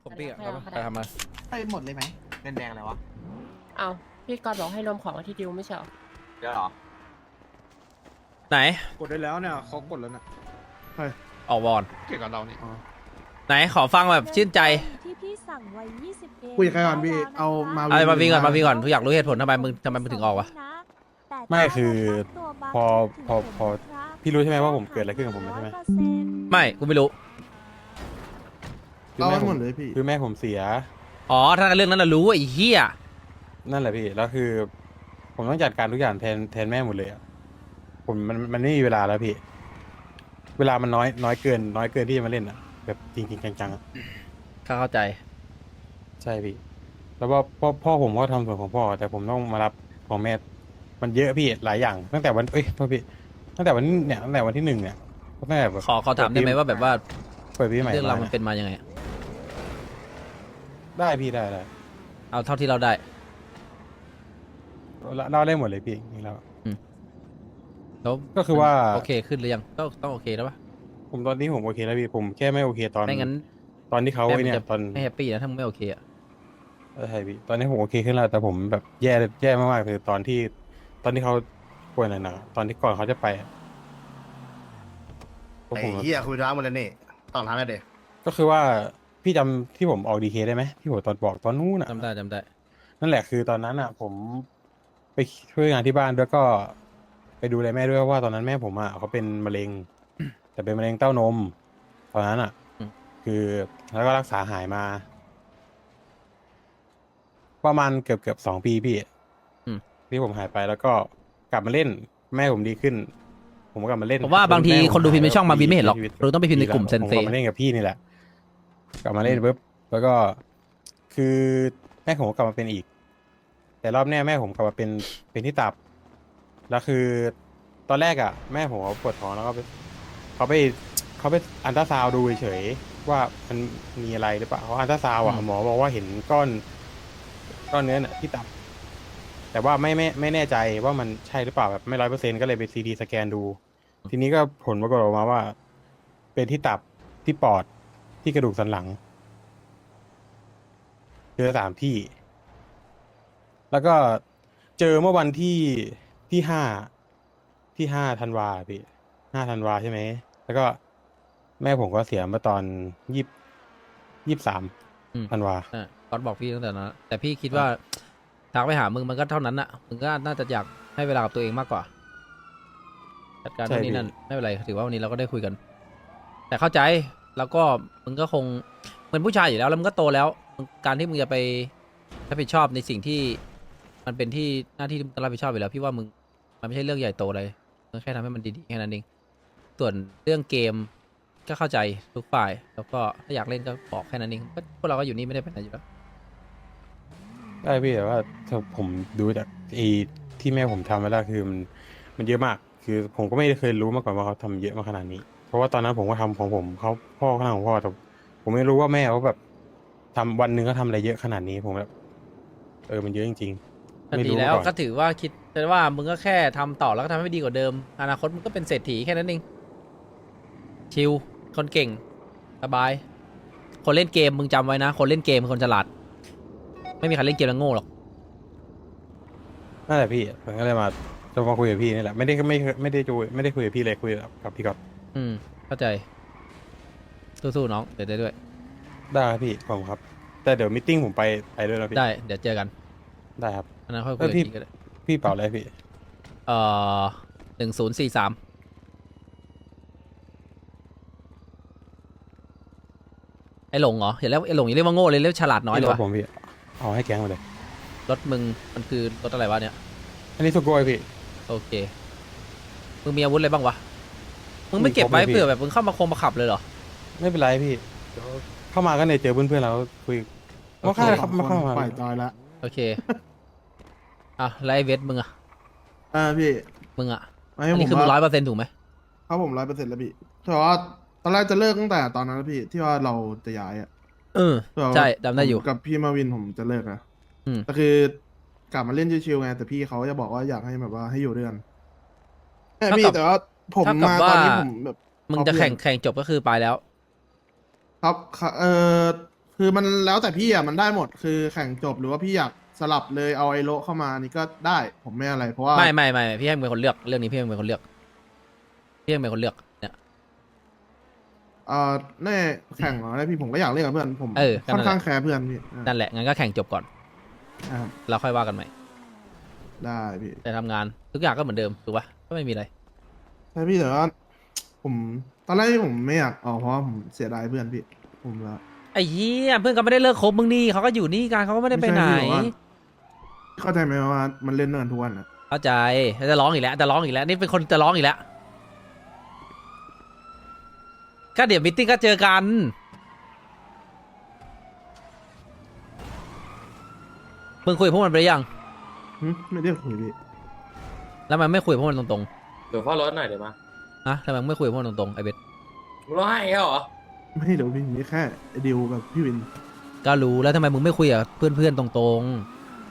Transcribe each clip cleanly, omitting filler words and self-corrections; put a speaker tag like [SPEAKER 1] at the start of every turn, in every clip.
[SPEAKER 1] ผมพี่เอาไปทำมา
[SPEAKER 2] ไปหมดเลยไหม
[SPEAKER 3] เงินแดงอะไรวะ
[SPEAKER 4] เอาพี่กอดบอกให้รวมของที่ดิวไม่ใช่เหรอ
[SPEAKER 3] เดี๋ยวเหรอ
[SPEAKER 1] ไหน
[SPEAKER 5] กดได้แล้วเนี่ยเขากดแล้วนะ
[SPEAKER 1] ออกวอน
[SPEAKER 5] เกี่ยวกับเรานี่
[SPEAKER 1] ไหนขอฟังแบบชื่นใจ
[SPEAKER 6] ที่พี่สั่งไว้20เอง
[SPEAKER 2] คุยกับใครก่อนพี่เอามา
[SPEAKER 1] อะไรมาวิ่งก่อนทุกอยากรู้เหตุผลทำไมมึงถึงออกวะ
[SPEAKER 7] ไม่คือพอพี่รู้ใช่ไหมว่าผมเกิดอะไรขึ้นกับผมใช่ไหม
[SPEAKER 1] ไม่กูไม่รู้
[SPEAKER 7] คือ
[SPEAKER 2] เอา
[SPEAKER 7] แม่
[SPEAKER 2] ให้
[SPEAKER 7] ผ
[SPEAKER 2] หม
[SPEAKER 7] ม
[SPEAKER 2] ดเลยพี่
[SPEAKER 7] คือแม่ผมเสีย
[SPEAKER 1] อ๋อถ้าเรื่องนั้นน่ะรู้ไอ้เหี้ย
[SPEAKER 7] นั่นแหละพี่แล้วคือ ผมต้องจัดการทุกอย่างแทนแม่หมดเลยอะผมมันไม่มีเวลาแล้วพี่ เวลามันน้อยเกินที่จะมาเล่นอะแบบจริงจังๆอะ
[SPEAKER 1] เข้าใจ
[SPEAKER 7] ใช่พี่ แล้วว่าพ่อผมก็ทำส่วนของพ่อแต่ผมต้องมารับของแม่ มันเยอะพี่หลายอย่างตั้งแต่วันโทษพี่ตั้งแต่วันที่1เนี่ยตั้งแต่แบบ
[SPEAKER 1] ขอถามได้ไหมว่าแบบว่า
[SPEAKER 7] เปิดปีใหม่
[SPEAKER 1] เรื่องราว
[SPEAKER 7] มา
[SPEAKER 1] มันเป็นมายังไงอะ
[SPEAKER 7] ได้พี่ได้
[SPEAKER 1] เอาเท่าที่เราได้
[SPEAKER 7] เล่าได้หมดเลยพี่นี่แล้ว
[SPEAKER 1] แล้ว
[SPEAKER 7] ก็คือว่า
[SPEAKER 1] โอเคขึ้นหรือยังต้องโอเคแล้วปะ
[SPEAKER 7] ผมตอนนี้ผมโอเคแล้วพี่ผมแค่ไม่โอเคตอน
[SPEAKER 1] ไม่งั้น
[SPEAKER 7] ตอนที่เขา
[SPEAKER 1] แม่
[SPEAKER 7] ไอ้
[SPEAKER 1] มัน
[SPEAKER 7] เนี่ย
[SPEAKER 1] จะ
[SPEAKER 7] ตอน
[SPEAKER 1] ไม่แฮปปี้นะถ้ามึงไม่โอเคอะ
[SPEAKER 7] ใช่พี่ตอนนี้ผมโอเคขึ้นแล้วแต่ผมแบบแย่มากๆคือตอนที่เขาป่วยหนักๆตอนที่ก่อนเขาจะไปอะพวก
[SPEAKER 8] ไอ้
[SPEAKER 7] ผมแบบ
[SPEAKER 8] เหี้ยคุยร้านหมดแล้วนี่ต้องทำแล้วเด็ก
[SPEAKER 7] ก็คือว่าพี่จำที่ผมออกดีเคได้ไหมที่ผมตอนบอกตอนนู้นอ่ะ
[SPEAKER 1] จำได้
[SPEAKER 7] นั่นแหละคือตอนนั้นอ่ะ ผมไปช่วยงานที่บ้านด้วยก็ไปดูแลแม่ด้วยเพราะว่าตอนนั้นแม่ผมอ่ะเขาเป็นมะเร็ง แต่เป็นมะเร็งเต้านมตอนนั้นอ่ะ คือแล้วก็รักษาหายมา ประมาณเกือบ2 ปีพี่ที่ผมหายไปแล้วก็กลับมาเล่นแม่ผมดีขึ้น ผมก็กลับมาเล่น
[SPEAKER 1] ผมว่าบางที
[SPEAKER 7] แม่ผ
[SPEAKER 1] คนดูพิมพ์ในช่องมาวินไม่เห็นหรอก
[SPEAKER 7] ชีวิต
[SPEAKER 1] เราต้องไปพิมพ์ในกลุ่มเซน
[SPEAKER 7] ผม
[SPEAKER 1] เซ
[SPEAKER 7] กลับมาเล่นกับพี่นี่แหละ กลับมาเล่นปุ๊บแล้วก็คือแม่ผมก็กลับมาเป็นอีก แต่รอบเนี้ยแม่ผมกลับมาเป็นที่ตับ แล้วคือตอนแรกอ่ะ แม่ผมเขาปวดท้องแล้วก็เขาไปอัลตราซาวด์ดูเฉยๆว่ามันมีอะไรหรือเปล่าเขาอัลตราซาวด์อ่ะหมอบอกว่าเห็นก้อนเนื้อน่ะที่ตับ แต่ว่าไม่แน่ใจว่ามันใช่หรือเปล่าแบบไม่100%ก็เลยไปซีทีสแกนดู ทีนี้ก็ผลปรากฏออกมาว่า เป็นที่ตับที่ปอดที่กระดูกสันหลังเจอ3 ที่ แล้วก็เจอเมื่อวันที่5ธันวาพี่5 ธันวาใช่ไหมแล้วก็แม่ผมก็เสียเมื่อตอน23 ธันวา
[SPEAKER 1] ก๊อตบอกพี่ตั้งแต่นั้นแต่พี่คิดว่าทักไปหามึงมันก็เท่านั้นอะมึงก็น่าจะอยากให้เวลากับตัวเองมากกว่าจัดการ
[SPEAKER 7] ใช่
[SPEAKER 1] ตรงนี้
[SPEAKER 7] พี่
[SPEAKER 1] นั่นไม่เป็นไรถือว่าวันนี้เราก็ได้คุยกัน แต่เข้าใจแล้วก็มึงก็คงเป็นผู้ชายอยู่แล้วแล้วมึงก็โตแล้วการที่มึงจะไปรับผิดชอบในสิ่งที่มันเป็นที่หน้าที่ที่มึงต้องรับผิดชอบอยู่แล้วพี่ว่ามึงมันไม่ใช่เรื่องใหญ่โตเลยมึงแค่ทำให้มันดีๆแค่นั้นเองส่วนเรื่องเกมก็เข้าใจทุกฝ่าย แล้วก็ถ้าอยากเล่นก็บอกแค่นั้นเองก็พวกเราก็อยู่นี่ไม่ได้เป็นอะไรอยู่แล้ว
[SPEAKER 7] ได้พี่แต่ว่าถ้าผมดูจากไอ้ที่แม่ผมทำมาแล้วคือมันเยอะมาก คือผมก็ไม่เคยรู้มาก่อนว่าเขาทำเยอะมาขนาดนี้ เพราะว่าตอนนั้นผมก็ทำของผมเขาพ่อเขาทำของพ่อแต่ผมไม่รู้ว่าแม่เขาแบบทำวันหนึ่งเขาทำอะไรเยอะขนาดนี้ผมแบบมันเยอะจริงๆ
[SPEAKER 1] ก็
[SPEAKER 7] ไม่
[SPEAKER 1] ดี
[SPEAKER 7] รู้
[SPEAKER 1] แล้
[SPEAKER 7] มาว ก่อน
[SPEAKER 1] ก็ถือว่าคิดว่ามึงก็แค่ทำต่อแล้วก็ทำให้ดีกว่าเดิมอนาคตมึงก็เป็นเศรษฐีแค่นั้นเองชิลคนเก่งสบาย คนเล่นเกมมึงจำไว้นะ คนเล่นเกมเป็นคนฉลาด ไม่มีใครเล่นเกมแล้วโง่หรอก
[SPEAKER 7] นั่นแหละพี่ผมก็เลยจะมาคุยกับพี่นี่แหละไม่ได้คุยกับพี่เลยคุยกับพี่ก๊อต
[SPEAKER 1] เข้าใจสู้ๆน้องเดี๋ยวได้ด้วย
[SPEAKER 7] ได้ครับพี่ผมครับ แต่เดี๋ยวมิทติ้งผมไปด้วยนะพี่
[SPEAKER 1] ได้เดี๋ยวเจอกัน
[SPEAKER 7] ได้ครับ
[SPEAKER 1] อันนั้นค่อยคุ
[SPEAKER 7] เอ้
[SPEAKER 1] ย
[SPEAKER 7] ย
[SPEAKER 1] กันอีกก็ได้
[SPEAKER 7] พี่เป่าอะไรพี่
[SPEAKER 1] 1043ไอ้หลงเหรออย่าเรียกไอ้หลงอย่าเรียกว่าโง่เลยเรียกฉลาดน้อยเลยวะ
[SPEAKER 7] ผมพี่เอาให้แก๊งมาเลย
[SPEAKER 1] รถมึงมันคือรถอะไรวะเนี่ย
[SPEAKER 7] อันนี้สุโกยพี่
[SPEAKER 1] โอเค มึงมีอาวุธอะไรบ้างวะ มึงไม่เก็บไว้
[SPEAKER 7] มีครบเลยพี่
[SPEAKER 1] เผื่อแบบมึงเข้ามาคงมาขับเลยเหรอ
[SPEAKER 7] ไม่เป็นไรพี่เดี๋ยวเข้ามาก็เนี่ยเจอเพื่อนๆแล้วคุยมาเข้าครับมาเข้ามา
[SPEAKER 2] ปล่อยจอยละ
[SPEAKER 1] โอเค อ่ะแล้วไอ้เวทมึงอะ
[SPEAKER 2] พี่
[SPEAKER 1] มึงอะ
[SPEAKER 2] ไม่
[SPEAKER 1] อัน
[SPEAKER 2] ผ
[SPEAKER 1] นี้
[SPEAKER 2] ม
[SPEAKER 1] คือมึง
[SPEAKER 2] ว่า
[SPEAKER 1] 100%ถูกไหม
[SPEAKER 2] ครับผม100%แล้วพี่แต่ว่าตอนแรกจะเลิกตั้งแต่ตอนนั้นแล้วพี่ที่ว่าเราจะย้ายอ่ะ
[SPEAKER 1] ใช่จำได้อยู่
[SPEAKER 2] ผมกับพี่มาวินผมจะเลิกนะ
[SPEAKER 1] อืม
[SPEAKER 2] แต่คือกลับมาเล่นชิวๆไงแต่พี่เขาจะบอกว่าอยากให้แบบว่าให้อยู่ด้วยกันพี่แต่ว่าผมมาตอนนี้ผมแบบ
[SPEAKER 1] มึงจะแข่งจบก็คือไปแล้ว
[SPEAKER 2] ครับคือคือมันแล้วแต่พี่อ่ะมันได้หมดคือแข่งจบหรือว่าพี่อยากสลับเลยเอาไอโลเข้ามานี่ก็ได้ผมไม่อะไรเพราะว่า
[SPEAKER 1] ไม่พี่ให้มึงเป็นคนเลือกเรื่องนี้พี่ให้มึงเป็นคนเลือกพี่ให้มึงเป็นคนเลือกเนี่ย
[SPEAKER 2] แน่แข่งเหรอได้พี่ผมก็อยากเล่นกับเพื่อนผม
[SPEAKER 1] เออก็นั่
[SPEAKER 2] ค่อน น
[SPEAKER 1] แหละ
[SPEAKER 2] ข้างแคร์เพื่อนพี่
[SPEAKER 1] นั่นแหละงั้นก็แข่งจบก่อน
[SPEAKER 2] ครับ
[SPEAKER 1] เราค่อยว่ากันใหม่
[SPEAKER 2] ได้พี่
[SPEAKER 1] แต่ทำงานทุกอย่างก็เหมือนเดิมถูกปะก็ไม่มีอะไร
[SPEAKER 2] ใช่พี่แต่ว่าผมตอนแรกที่ผมไม่อยากออกเพราะว่าผมเสียดายเพื่อนพี่ผมละ
[SPEAKER 1] ไอ้เหี้ยเพื่อนก็ไม่ได้เลิกคบมึงนี่เขาก็อยู่นี่กันเขาก็ไม่ได้ไปไหน
[SPEAKER 2] ไม่ใช่พี่บอกว่า เข้าใจไหมว่ามันเล่นด้วยกันทุกวันอ่ะ
[SPEAKER 1] เข้าใจจะร้องอีกแล้วจะร้องอีกแล้วนี่เป็นคนจะร้องอีกแล้วก็เดี๋ยวมิทติ้งก็เจอกันมึงคุยกับพวกมันไปหรือยัง
[SPEAKER 2] ไม่ได้คุยพี่
[SPEAKER 1] แล้วมันไม่คุยกับพวกมันตรง
[SPEAKER 3] เดี๋ยวพ่อรถหน่อยเดี๋ยวมา
[SPEAKER 1] ๆนะทำไมมึงไม่คุยกับพวกมันตรงๆไอ้เบส
[SPEAKER 3] มึงร้องไห้แค่เหรอ
[SPEAKER 2] ไม่เดี๋ยวพี่มีแค่ไอ้ดิวกับพี่วิน
[SPEAKER 1] ก็รู้แล้วทำไมมึงไม่คุยกับเพื่อนๆตรงๆ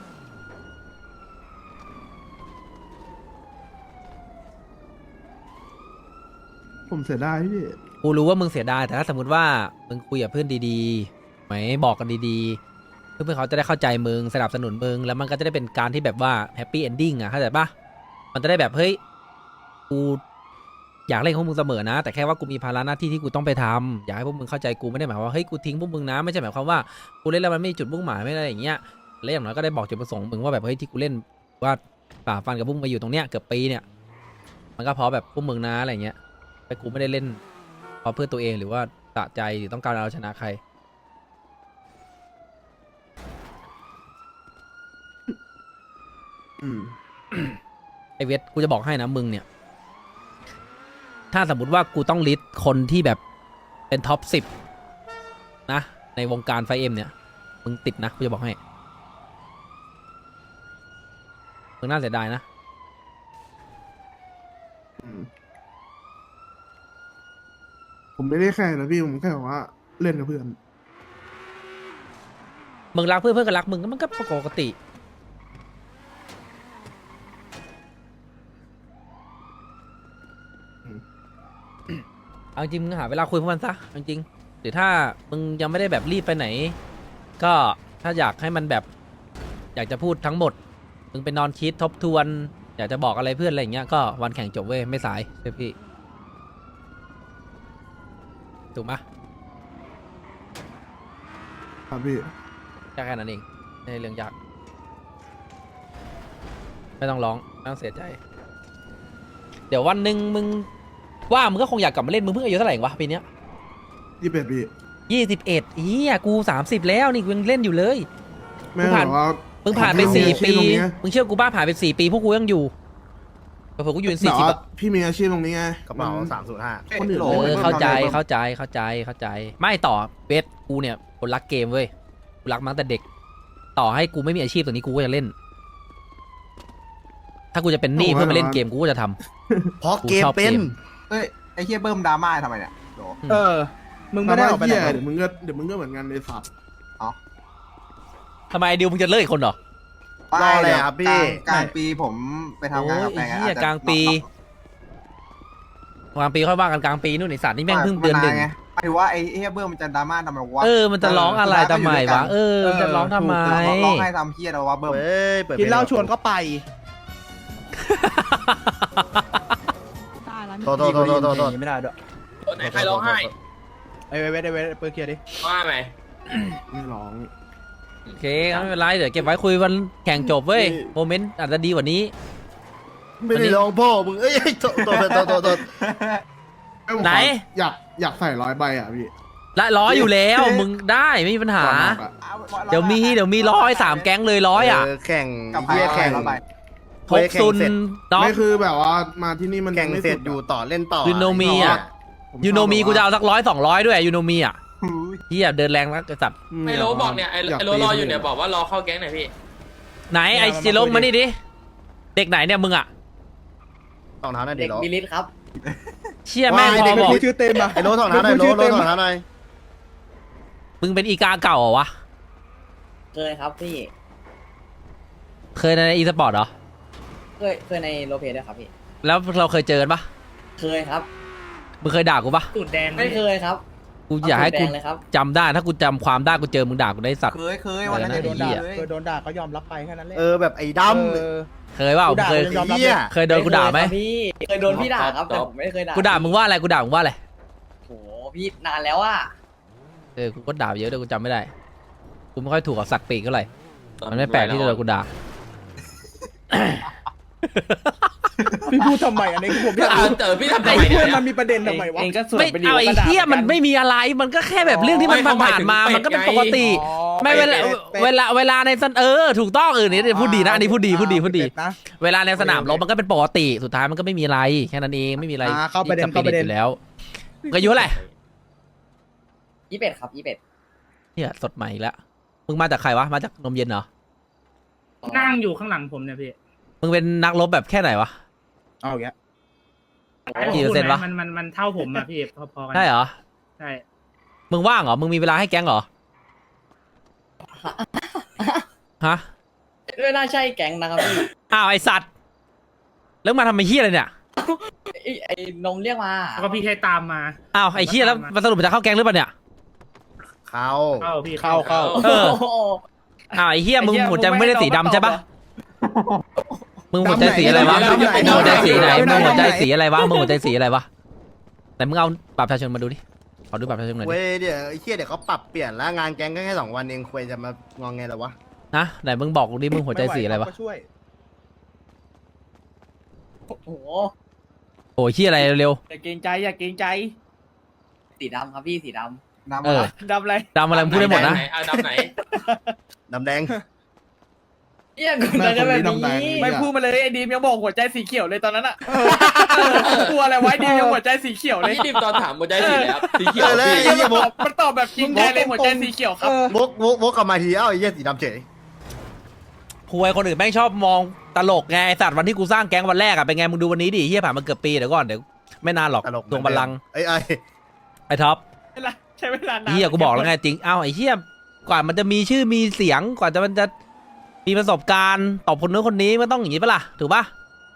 [SPEAKER 2] ผมเสียดายพี่
[SPEAKER 1] กูรู้ว่ามึงเสียดายแต่ถ้าสมมติว่ามึงคุยกับเพื่อนดีๆไหมบอกกันดีๆ เพื่อนๆเขาจะได้เข้าใจมึงสนับสนุนมึงแล้วมันก็จะได้เป็นการที่แบบว่าแฮปปี้เอนดิ้งอ่ะเข้าใจปะมันจะได้แบบเฮ้ยกูอยากเล่นของมึงเสมอนะ แต่แค่ว่ากูมีภาระหน้าที่ที่กูต้องไปทำอยากให้พวกมึงเข้าใจกูไม่ได้หมายความว่าเฮ้ยกูทิ้งพวกมึงนะไม่ใช่หมายความว่ากูเล่นแล้วมันไม่มีจุดมุ่งหมายไม่อะไรอย่างเงี้ยและอย่างน้อยก็ได้บอกจุดประสงค์มึงว่าแบบเฮ้ยที่กูเล่นว่าฝ่าฟันกับพวกมึงมาอยู่ตรงเนี้ยเกือบปีเนี่ยมันก็เพราะแบบพวกมึงนะอะไรอย่างเงี้ยแต่กูไม่ได้เล่น เพราะเพื่อตัวเองหรือว่าสะใจหรือต้องการเอาชนะใคร
[SPEAKER 2] อืม
[SPEAKER 1] ไอเวทกูจะบอกให้นะมึงเนี่ย ถ้าสมมติว่ากูต้องลิสต์คนที่แบบเป็นท็อป10นะ ในวงการไฟเอ็มเนี่ย มึงติดนะกูจะบอกให้ มึงน่าเสียดายนะ
[SPEAKER 2] อืมผมไม่ได้แข่งนะพี่ผมแค่บอกว่าเล่นกับเพื่อน
[SPEAKER 1] มึงรักเพื่อนเพื่อนก็รักมึงก็มันก็ปกติ เอาจริงมึงหาเวลาคุยพวกมันซะเอาจริงหรือถ้ามึงยังไม่ได้แบบรีบไปไหน ก็ถ้าอยากให้มันแบบ อยากจะพูดทั้งหมด มึงไปนอนคิดทบทวน อยากจะบอกอะไรเพื่อนอะไรอย่างเงี้ยก็วันแข่งจบเว้ยไม่สายเชื่อพี่ถูกไหม
[SPEAKER 2] ครับพี่
[SPEAKER 1] แค่นั้นเองไม่ใช่เรื่องยากไม่ต้องร้องไม่ต้องเสียใจ เดี๋ยววันหนึ่งมึงว่ามึงก็คงอยากกลับมาเล่นมึงเพิ่งอายุเท่าไหร่เองวะปีเนี้ย
[SPEAKER 2] 21พี่
[SPEAKER 1] 21เฮียกู30แล้วนี่กูยังเล่นอยู่เลย
[SPEAKER 2] แม่
[SPEAKER 1] มึงผ่าน
[SPEAKER 2] บอกว่า
[SPEAKER 1] มึงผ่านไป
[SPEAKER 2] ผมมีอาชี
[SPEAKER 1] 4 ปี
[SPEAKER 2] พตรงนี้ไง
[SPEAKER 1] มึงเชื่อกูบ้าผ่านไป4 ปีพวกกูยังอยู่เผื่อๆกูอยู่เป็น
[SPEAKER 2] แบบ
[SPEAKER 1] 40
[SPEAKER 2] ว่า
[SPEAKER 1] อะ
[SPEAKER 2] พี่มีอาชีพตรงนี้ไง
[SPEAKER 8] กระเป๋า
[SPEAKER 2] มัน
[SPEAKER 8] 305
[SPEAKER 2] คนอื่น
[SPEAKER 1] เอ
[SPEAKER 2] ไม่
[SPEAKER 1] อ
[SPEAKER 2] ไม่
[SPEAKER 1] เข้าใจ
[SPEAKER 2] ทำอะไร
[SPEAKER 1] เข้าใจเข้าใจเข้าใจไม่ต่อเบสกูเนี่ยคนรักเกมเว้ยกูรักมาตั้งแต่เด็ก ต่อให้กูไม่มีอาชีพตรงนี้กูก็จะเล่น ถ้ากูจะเป็นหนี้เพื่อมาเล่นเกมกูก็จะทำ
[SPEAKER 8] เพราะเกมเป็น
[SPEAKER 9] เอ้ยไอ้เฮียเบิ้มดราม่าทำไมเนี่ยโห
[SPEAKER 5] เออ มึงไม่ได้ออกไปไหน
[SPEAKER 2] เหี้ย
[SPEAKER 5] เลย
[SPEAKER 2] เดี๋ยวมึงก็เหมือนกันในสัตว์
[SPEAKER 1] ทำไมดิวมึงจะเลิกอีกคนเหรอ
[SPEAKER 8] รออะไรครับพี่
[SPEAKER 9] กลางปีผมไปทำงานกับแฟน
[SPEAKER 1] โอ้ยไอ้เหี้ยกลางปี กลางปีค่อยว่ากันกลางปีนู่นไอสัตว์นี่แม่งเพิ่งเดือนหนึ่ง
[SPEAKER 9] ไงหมายถึงว่าไอ้เฮียเบิ้มมันจะดราม่าทำไมวะ
[SPEAKER 1] เออมันจะร้องอะไรทำไมวะเออมันจะร้องทำไม
[SPEAKER 9] ร้องให้ทำเฮียเราวะเบิ้ม
[SPEAKER 8] เฮ้ย เปิด
[SPEAKER 5] กินเหล้าชวนก็ไป
[SPEAKER 8] โทษโทษโทษโทษโทษ
[SPEAKER 5] ไม่ได้ด้วย
[SPEAKER 3] ไหนใครร้องไห้
[SPEAKER 5] ไอ้เวทเปิดเคลียร์ดิ
[SPEAKER 3] ว่าไหม
[SPEAKER 2] ไม่ร้อง
[SPEAKER 1] โอเคไม่เป็นไรเดี๋ยวเก็บไว้คุยวันแข่งจบเว้ยโมเมนต์อาจจะดีกว่านี้
[SPEAKER 8] ไม่ได้ร้องพ่อมึง เอ้ยโทษโทษโทษโทษโทษ
[SPEAKER 1] ไหน
[SPEAKER 2] อยากใส่100ใบอ่ะพี่
[SPEAKER 1] ละร้อยอยู่แล้วมึงได้ไม่มีปัญหา
[SPEAKER 2] ก่อนออกอะ
[SPEAKER 1] เดี๋ยวมี100 3 แก๊งเลย100อ่ะ
[SPEAKER 8] แข่ง
[SPEAKER 9] กับ
[SPEAKER 8] เฮียแข่ง
[SPEAKER 9] แล้วไป
[SPEAKER 1] ทบซุนด็อก
[SPEAKER 2] ไม่คือแบบว่ามาที่นี่มัน
[SPEAKER 8] แข่ง
[SPEAKER 2] ไม่
[SPEAKER 8] เสร็จ
[SPEAKER 2] สุด
[SPEAKER 8] อยู่ต่อเล่นต่อ
[SPEAKER 1] ยูโนมีอ่ะ
[SPEAKER 2] ผม
[SPEAKER 1] ยูโนมี
[SPEAKER 2] ชอบ
[SPEAKER 1] กูจะเอาสัก100 200ด้วยยูโนมีอ่ะ
[SPEAKER 9] หูย
[SPEAKER 1] เฮียเดินแรงนักไอ้สัตว์
[SPEAKER 3] ไอ้โรบอกเนี่ยไอ้โรรออยู่เนี่ยบอกว่ารอเข้าแก๊งหน่อยพี่
[SPEAKER 1] ไหนไอ้จิโร่มานี่ดิเด็กไหนเนี่ยมึงอ่ะ
[SPEAKER 8] ถอดเท้าหน่อยดิโล
[SPEAKER 1] เชี่ยแม่งพอบอก
[SPEAKER 5] ชื่อเต็มอ่ะ
[SPEAKER 8] ไอ้โลถอดเท้าหน่อยโลถอดเท้าหน่อย
[SPEAKER 1] มึงเป็นอีกาเก่าเหรอวะ
[SPEAKER 10] เคยครับพี่
[SPEAKER 1] เคยในอีสปอร์ตเหรอ
[SPEAKER 10] เคยในโลเพด้วยครับพี่
[SPEAKER 1] แล้วเราเคยเจอกันปะ
[SPEAKER 10] เคยครับ
[SPEAKER 1] มึงเคยด่ากูปะ
[SPEAKER 10] ตูดแดงไม่เคยครับ
[SPEAKER 1] กกูอยากให้กู
[SPEAKER 10] เแดงเลยครับ
[SPEAKER 1] จำได้ถ้ากูจำความได้กูเจอมึงด่ากูได้สัตว์
[SPEAKER 9] เคยวันนั้น
[SPEAKER 1] เออ
[SPEAKER 5] โดนด่า
[SPEAKER 9] เลย
[SPEAKER 5] เคยโดนด่าก็ยอมรับไปแค่นั้นแหละ
[SPEAKER 8] แบบไอ้ด
[SPEAKER 5] เออ
[SPEAKER 1] เคยเปล่า
[SPEAKER 5] กูด่า
[SPEAKER 1] เคย
[SPEAKER 5] มึงยอมรับ
[SPEAKER 8] ำเหี้ย
[SPEAKER 1] เคยโดนกูด่าไหม
[SPEAKER 10] เคยครับพี่เคยโดนพี่ด่าครับแต่ผมไม่เคยด่า
[SPEAKER 1] กูด่ามึงว่าอะไรกูด่ามึงว่าอะไร
[SPEAKER 10] โหพี่นานแล้วอ่ะ
[SPEAKER 1] กูก็ด่าเยอะด้วยกูจำไม่ได้กูไม่ค่อยถูกกับสักปีกเท่าไหร่มันไม่แปลกที่จะโดนกูด่า
[SPEAKER 5] พี่พูดทำไมอันนี้ผมอยากรู้
[SPEAKER 3] พี่ทำไม
[SPEAKER 5] ไอ้
[SPEAKER 3] เนี่
[SPEAKER 5] เพื่อย นมันมีประเด็นทำไมวะ
[SPEAKER 10] เองก็สว
[SPEAKER 1] ไม่
[SPEAKER 10] ยไปดิ
[SPEAKER 1] เอาไอ้
[SPEAKER 10] ก็ด่า
[SPEAKER 1] เหี้ยมัน
[SPEAKER 10] หอกั
[SPEAKER 1] ไม่มีอะไรมันก็แค่แบบเรื่องที่มัน
[SPEAKER 3] ไม่
[SPEAKER 1] ผ่านๆมา
[SPEAKER 3] เขาหมายถึง
[SPEAKER 1] มันก็เป็นปกติ
[SPEAKER 5] อ๋อ
[SPEAKER 1] ไม่เวลา
[SPEAKER 5] เป็ด
[SPEAKER 1] เวลาในสนถูกต้องนี่พูดดีนะอันนี้พูดดี
[SPEAKER 5] เป็นะ
[SPEAKER 1] เวลาในสนามรบมันก็เป็นปกติสุดท้ายมันก็ไม่มีอะไรแค่นั้นเองไม่มีอะไร
[SPEAKER 5] เข้าประเด็น
[SPEAKER 1] ที่จะอยู่แล้วมึงอายุเท่าไหร่
[SPEAKER 10] 21ครับ21
[SPEAKER 1] เนี่ยสดใหม่อีกแล้วมึงมาจากใครวะมาจากนมเย็นเหรอ
[SPEAKER 11] นั่งอยู่ข้างหลังผมเนี่ยพี่
[SPEAKER 1] มึงเป็นนักรบแบบแค่ไหนวะ
[SPEAKER 5] เอาอย่างเงี้ย
[SPEAKER 1] กี่เปอร์เซ็นต์วะ
[SPEAKER 11] มันเท่าผมอะพี่พอๆกัน
[SPEAKER 1] ใช่เหรอ
[SPEAKER 11] ใช่
[SPEAKER 1] มึงว่างเหรอมึงมีเวลาให้แก๊งเหรอฮะ
[SPEAKER 10] ไม่น่าใช่แก๊งนะครับพี่
[SPEAKER 1] อ้าวไอสัตว์แล้วมาทำไมเฮี้ยอะไรเนี่ย
[SPEAKER 10] ไอ้นมเรียกมา
[SPEAKER 11] แล้วก็พี่แค่ตามมา
[SPEAKER 1] อ้าวไอเฮี้ยแล้วสรุปมันจะเข้าแก๊งหรือเปล่าเนี่ย
[SPEAKER 8] เขา
[SPEAKER 11] เข้าพี่
[SPEAKER 5] เข้า
[SPEAKER 1] เออ
[SPEAKER 10] โอ้โห
[SPEAKER 1] อ้าวไอเฮี้ยมึงหัวใจมึงไม่ได้สีดำใช่ปะมึงหัวใจสีอะไรวะ
[SPEAKER 5] ดำไหน
[SPEAKER 1] มึงหัวใจสีไหน
[SPEAKER 5] ดำไหน
[SPEAKER 1] มึงหัวใจสีอะไรวะมึงหัวใจสีอะไรวะไหนมึงเอาบัตรประชาชนมาดูดิขอดูบัตรประชาชนหน่อย
[SPEAKER 8] เว้
[SPEAKER 1] ดิ
[SPEAKER 8] ยเดี๋ยวไอ้เหี้ยเดี๋ยวเขาปรับเปลี่ยนแล้วงานแก๊งก็แค่2 วันเองควยจะมางองไงล่ะวะ
[SPEAKER 1] นะไหนมึงบอกกูดิมึงหัวใจสีอะไรวะ
[SPEAKER 5] ม่หเขาก็ช่วย
[SPEAKER 10] โอ้โห
[SPEAKER 1] โอ้ยเฮี้ยอะไรเร็ว
[SPEAKER 11] อย่าเกรงใจอย่าเกรงใจ
[SPEAKER 10] สีดำครับพี่สีด
[SPEAKER 1] ๆ
[SPEAKER 9] น้ำ
[SPEAKER 1] เออ
[SPEAKER 11] ดำอะไร
[SPEAKER 1] ดำอะไรมึงพูดได้หมดนะ
[SPEAKER 3] ดำไหน
[SPEAKER 8] ดำแดง
[SPEAKER 10] ำเนี่ยคุณจะแบบนี้
[SPEAKER 11] ไม่พูดมาเลยไอ้ดีมยังบอกหัวใจสีเขียวเลยตอนนั้นอะกลัวอะไรไว้ดีมยังหัวใจสีเขียวเลย
[SPEAKER 3] พี่ดิมตอนถามหัวใจสีแล้วสีเขียว
[SPEAKER 8] เลย
[SPEAKER 3] พี่
[SPEAKER 8] ไอ้เหี้ยบอก
[SPEAKER 11] มันตอบแบบจริงใจเลยหัวใจสีเขียวครับ
[SPEAKER 8] วกกลับมาทีเอ้าไอ้เหี้ยสีดำเฉย
[SPEAKER 1] คุยคนอื่นแม่งชอบมองตลกไงไอ้สัตว์วันที่กูสร้างแก๊งวันแรกอะเป็นไงมึงดูวันนี้ดิเฮียผ่านมาเกือบปีเดี๋ยวก่อนเดี๋ยวไม่นานหรอก
[SPEAKER 8] ตลก
[SPEAKER 1] ดวงบัลลังก์
[SPEAKER 8] ไอ้
[SPEAKER 1] ไอ้ท็อป
[SPEAKER 11] ใช้เวลานาน
[SPEAKER 1] เฮียกูบอกแล้วไงจริงเอ้าไอ้เฮียกว่ามันจะมีชื่อมีเสียงกว่ามันจะมีประสบการณ์ตอบคนนู้นคนนี้มันต้องอย่างนี้ปะล่ะถูกปะ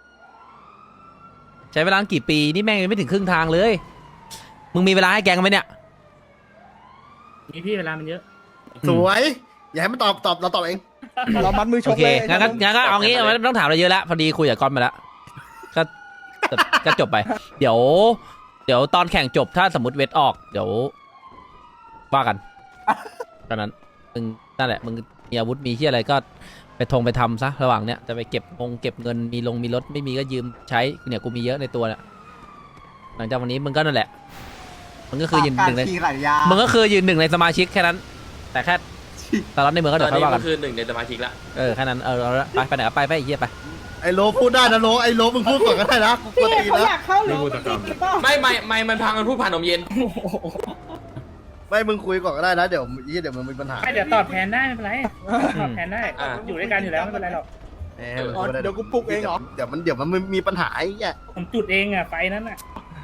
[SPEAKER 1] ใช้เวลากี่ปีนี่แม่งยังไม่ถึงครึ่งทางเลยมึงมีเวลาให้แก๊งไหมเนี่ย
[SPEAKER 11] มีพี่เวลามันเยอะ
[SPEAKER 8] สวย อย่าให้มันตอบเราตอบเอง
[SPEAKER 5] เรามัดมือช
[SPEAKER 1] โอก เค
[SPEAKER 5] เลย
[SPEAKER 1] งั้นก็เอางี้ไม่ต้องถามอะไรเยอะแล้วพอดีคุยกับก้อนมาแล้วก็ก็จบไป เดี๋ยวตอนแข่งจบถ้าสมมติเวทออกเดี๋ยวว่ากันตอนนั้นมึงนั่นแหละมึงมีอาวุธมีที่อะไรก็ไปทำซะระหว่างเนี้ยจะไปเก็บเงินมีรถไม่มีก็ยืมใช้เนี่ยกูมีเยอะในตัวเนี่ยหลังจากวันนี้มึงก็นั่นแหละมึงก็คือยืนหนึ่งใน
[SPEAKER 9] ขี่ไหลยา
[SPEAKER 1] มึงก็คือยืนหนึ่งในสมาชิกแค่นั้น แต่แค่ตอนนั้นในเมืองก็
[SPEAKER 3] ต
[SPEAKER 1] เดี๋
[SPEAKER 3] อย น
[SPEAKER 1] วค่อ
[SPEAKER 3] นี้
[SPEAKER 1] ยว่า
[SPEAKER 3] มั
[SPEAKER 1] กัน
[SPEAKER 3] นคือหนึ่งในสมาชิกละ
[SPEAKER 1] แค่นั้นเอาละไปไหนก็ไปไอ้เหี้ยไป
[SPEAKER 8] ไอ้โลพูดได้นะโลไอ้โลมึงพูดก่อนก็ได้นะกูกลัวตีนะ
[SPEAKER 3] ไม่มันพังมันพูดผ่านนมเย็น
[SPEAKER 8] ไม่มึงคุยก่อนก็ได้นะเดี๋ยวมึงมีปัญหา
[SPEAKER 11] ไม่เดี๋ยวตอบแทนได้ไม่เป็นไรตอบแทนได้อยู่ด้วยกันอยู่แล้วไม่เป็นไรหรอก
[SPEAKER 5] เดี๋ยวกูปลุกเองเหรอ
[SPEAKER 8] เดี๋ยวมันมีปัญหาไอ้เหี้ย
[SPEAKER 11] ผมจุดเองอะไฟนั้นอะ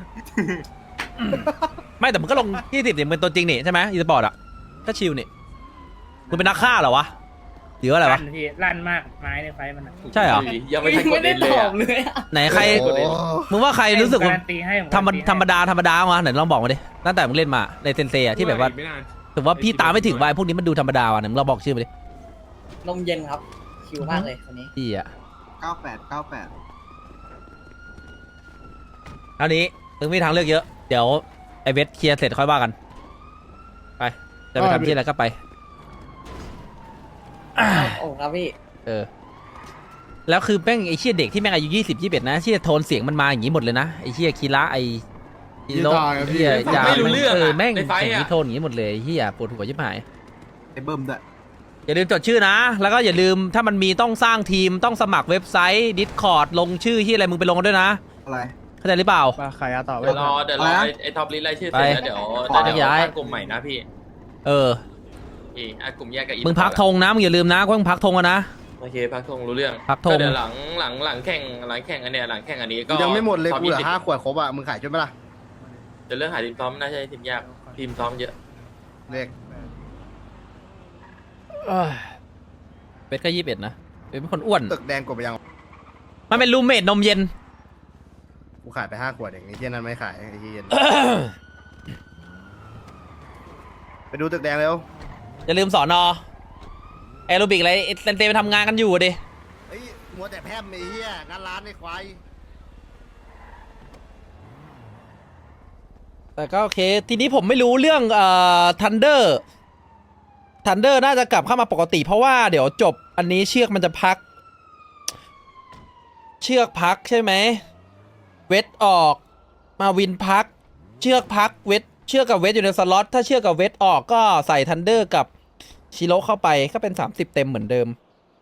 [SPEAKER 1] ไม่แต่มึงก็ลง20เนี่ยมึงเป็นตัวจริงนี่ใช่ไหมอีสปอร์ตอ่ะก็ชิลนี่มึงเป็นนักฆ่าเหรอวะหรือว่าอะไรวะ
[SPEAKER 11] พี่ลั่นมากไม้ในไฟมันอะ
[SPEAKER 1] ใช่เหรอ
[SPEAKER 3] ยังไม่ทันกด
[SPEAKER 10] ไม่ได้
[SPEAKER 3] เล่นเล
[SPEAKER 10] ต
[SPEAKER 3] ย
[SPEAKER 10] อบเลยอะ
[SPEAKER 1] ไหนใคร
[SPEAKER 8] โอ้โห
[SPEAKER 1] มึงว่าใครรู้สึกว่า
[SPEAKER 11] การันตีให้ผม
[SPEAKER 1] ธรรมดาวะไหนลองบอกมาดิตั้งแต่มึงเล่นมาในเซนเซียที่แบบว่าถือว่าพี่ตามไม่ถึงวายพวกนี้มันดูธรรมดาว่ะไหนมึงลองบอกชื่อมาดิ
[SPEAKER 10] นมเย็นครับชิวมากเลยคนนี้
[SPEAKER 1] พี่อ่ะ
[SPEAKER 9] 98
[SPEAKER 1] เอานี้มึงมีทางเลือกเยอะเดี๋ยวไอเวทเคลียร์เสร็จค่อยว่ากันไปจะไปทำที่อะไรก็ไป
[SPEAKER 10] โอ้ครับพี่
[SPEAKER 1] แล้วคือแม่งไอ้เชี่ยเด็กที่แม่งอายุ20-21นะเชี่ยโทนเสียงมันมาอย่างนี้หมดเลยนะไอ้เชี่ยคีระไอ้ฮีโร่เชี่ยยา
[SPEAKER 3] ไม่รู้เรื่องอะ
[SPEAKER 1] แม่ง
[SPEAKER 3] ในไฟ
[SPEAKER 1] เสียง
[SPEAKER 3] อะ
[SPEAKER 1] นี้โทนอย่างนี้หมดเลยไอ้เฮียปวดหัวชิบหาย
[SPEAKER 9] ไอ้เบิ้มด้วย
[SPEAKER 1] อย่าลืมจดชื่อนะ แล้วก็อย่าลืมถ้ามันมีต้องสร้างทีมต้องสมัครเว็บไซต์ Discord ลงชื่อที่อะไรมึงไปลงกันด้วยนะ
[SPEAKER 9] อะไร
[SPEAKER 1] เข้าใจหรือเปล่า
[SPEAKER 5] มาใครอะต่อ
[SPEAKER 3] เดี๋ยวรอไอ้ท็อปลิสต์รายชื่อเสร็จแล้วเดี๋ยวตั้งกลุ่มใหม่นะพี่
[SPEAKER 1] เออ
[SPEAKER 3] กลุ่มแยกกับอี
[SPEAKER 1] มึงพักธงนะมึงอย่าลืมนะว่ามึงพักธงกันนะ
[SPEAKER 3] โอเคพักธงรู้เรื่อง
[SPEAKER 1] พักธง
[SPEAKER 3] เดี๋ยวหลังแข่งอันเนี้ยหลังแข่งอันนี้ก็
[SPEAKER 8] ยังไม่หมดเลย
[SPEAKER 3] ท็อป
[SPEAKER 8] กูเหลือ
[SPEAKER 3] 20
[SPEAKER 8] 5 ขวดครบอ่ะมึงขายช่วยไหมล่ะ
[SPEAKER 3] เดี๋ยวเรื่องหาทีมซ้อมน่าจะทีมยากทีมซ้อมเยอะ
[SPEAKER 8] เลข
[SPEAKER 1] เป็ดก็21นะเป็นคนอ้วน
[SPEAKER 8] ตึกแดงกดไปยัง
[SPEAKER 1] มันเป็นรูมเมทนมเย็น
[SPEAKER 8] กูขายไป5 ขวดเองไอ้เหี้ยนั้นไม่ขายไอ้เหี้ยไปดูตึกแดงเร็ว
[SPEAKER 1] อย่าลืมสอนอแอโรบิกอะไรเต็มไปทำงานกันอยู่ดิ
[SPEAKER 8] เฮ้ยมัวแต่แพร่มไอ้เหี้ยงานร้านไอ้ควาย
[SPEAKER 1] แต่ก็โอเค ทีนี้ผมไม่รู้เรื่องทันเดอร์น่าจะกลับเข้ามาปกติ เพราะว่าเดี๋ยวจบอันนี้เชือกมันจะพัก เชือกพักใช่ไหมเวทออกมาวินพัก เชือกพักเวทเชือกกับเวทอยู่ในสล็อตถ้าเชือกกับเวทออกก็ใส่ทันเดอร์กับชิโร่เข้าไปก็เป็น30เต็มเหมือนเดิม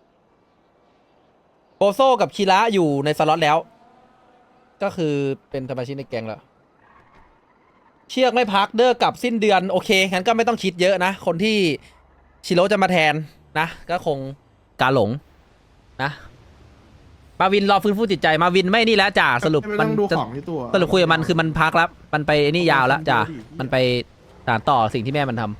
[SPEAKER 1] โบโซกับคิระอยู่ในสล็อตแล้ว ก็คือเป็นสมาชิกในแก๊งแล้วเชือกไม่พักเดอร์กับสิ้นเดือนโอเคงั้นก็ไม่ต้องคิดเยอะนะคนที่ชิโร่จะมาแทนนะก็คงกาหลงนะมาวินรอฟื้นฟูจิตใจมาวินไม่นี่แล้วจ่าสรุป
[SPEAKER 2] ไม่
[SPEAKER 1] มั
[SPEAKER 2] ต้
[SPEAKER 1] น
[SPEAKER 2] องดู
[SPEAKER 1] จะ
[SPEAKER 2] ของที่ตัว
[SPEAKER 1] สรุปคุยกับมันคือมันพักแล้วมันไปนี่ยาวแล้วจ่ามันไปสานต่อสิ่งที่แม่มันทำ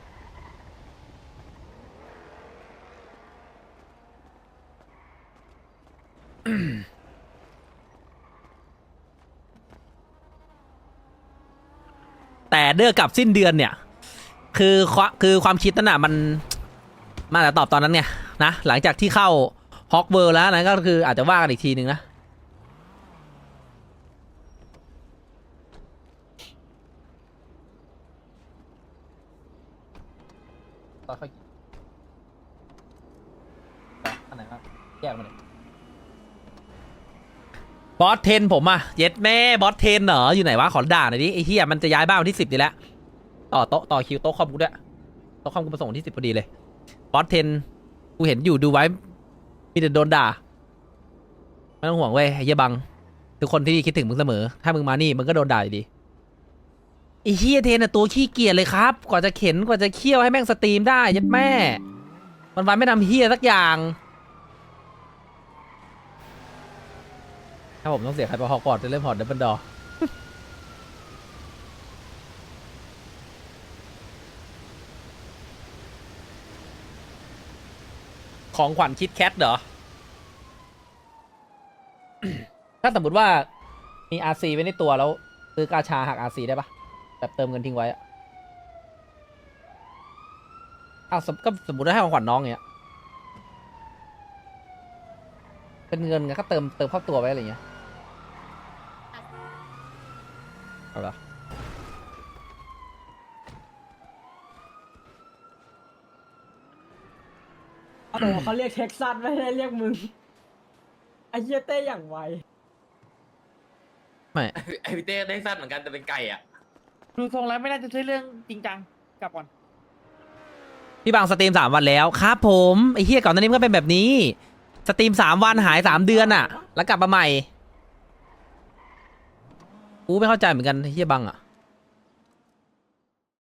[SPEAKER 1] แต่เดือกกับสิ้นเดือนเนี่ยคือความคิดนั่นน่ะมันอาจจะตอบตอนนั้นไงนะหลังจากที่เข้าฮอกเวิร์แล้วนะก็คืออาจจะว่ากันอีกทีนึงนะค่อยอันไหนครับแยกมาเลยบอสเทนผมอะเย็ดแม่บอสเทนเหรออยู่ไหนวะขอด่าหน่อยดิไอ้เหี้ยมันจะย้ายบ้านวันที่10นี่แหละต่อโต๊ะต่อคิวโต๊ะคอมกูด้วยโต๊ะคอมกูมาส่งวันที่10พอดีเลยบอสเทนกูเห็นอยู่ดูไว้มีแต่โดนด่าไม่ต้องห่วงเว้ยไอ้เหี้ยบังทุกคนที่คิดถึงมึงเสมอถ้ามึงมานี่มึงก็โดนด่าอยู่ดีไอ้เหี้ยเทนอะตัวขี้เกียจเลยครับกว่าจะเข็นกว่าจะเคี่ยวให้แม่งสตรีมได้ยัดแม่วันไม่ทำเหี้ยสักอย่างถ้าผมต้องเสียใครไปฮอกวอตส์จะเล่นพอร์ตดับเบิลดอของขวัญคิดแคทเหรอ ถ้าสมมติว่ามี RC ไว้ในตัวแล้วซื้อกาชาหัก RC ได้ปะแบบเติมเงินทิ้งไว้อะอ้าวก็สมมติว่าให้ของขวัญน้องเงี้ยเป็นเงินไงก็เติมเข้าตัวไว้อะไรเงี้ยเอาละ
[SPEAKER 10] โอ้โหเขาเรียกเท็กซัสไม่ได้เรียกมึงไอ้เหี้ยเต้อย่างไว
[SPEAKER 1] ไม่
[SPEAKER 3] ไอพี่เต้ได้สั้นเหมือนกันแต่เป็นไก่อ่ะ
[SPEAKER 11] ดูทรงแล้วไม่น่าจะใช่เรื่องจริงจังกลับก่อน
[SPEAKER 1] พี่บางสตรีม3 วันแล้วครับผมไอ้เฮียก่อนหน้านี้มันก็เป็นแบบนี้สตรีม3 วันหาย3 เดือนอะแล้วกลับมาใหม่กูไม่เข้าใจเหมือนกันไอ้เฮียบังอะ